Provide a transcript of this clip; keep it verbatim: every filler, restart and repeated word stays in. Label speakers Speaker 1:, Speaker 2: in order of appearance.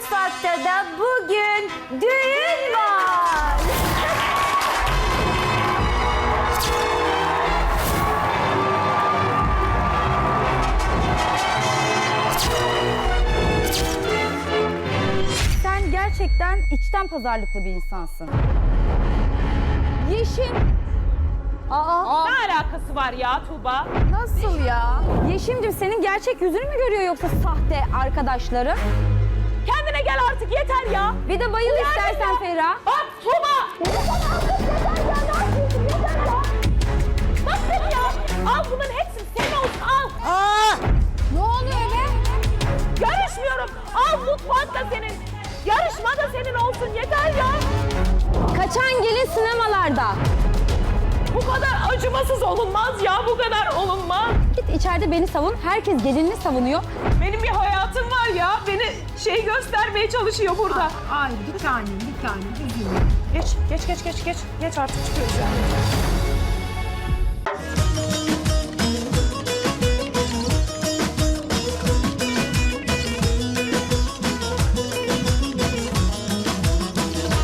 Speaker 1: Mutfakta da bugün düğün var. Sen gerçekten içten pazarlıklı bir insansın. Yeşim. Aa,
Speaker 2: Ne alakası var ya Tuğba?
Speaker 1: nasıl ya? Yeşim'cim senin gerçek yüzünü mü görüyor yoksa sahte arkadaşların?
Speaker 2: Kendine gel artık yeter ya.
Speaker 1: Bir de bayıl istersen Ferah.
Speaker 2: Bak Tuğba. Bak seni ya. Al bunların hepsini senin olsun al.
Speaker 1: Ne oluyor be?
Speaker 2: Yarışmıyorum. Al mutfak da senin. Yarışma da senin olsun yeter ya.
Speaker 1: Kaçan gelin sinemalarda.
Speaker 2: Bu kadar acımasız olunmaz ya. Bu kadar olunmaz.
Speaker 1: Git içeride beni savun. Herkes gelinini savunuyor.
Speaker 2: Benim bir hayatım var ya. Beni şey göstermeye çalışıyor burada.
Speaker 3: Ay bir tanem, bir tanem. Üzülme.
Speaker 2: Geç, geç, geç, geç, geç. Geç artık çıkıyoruz yani.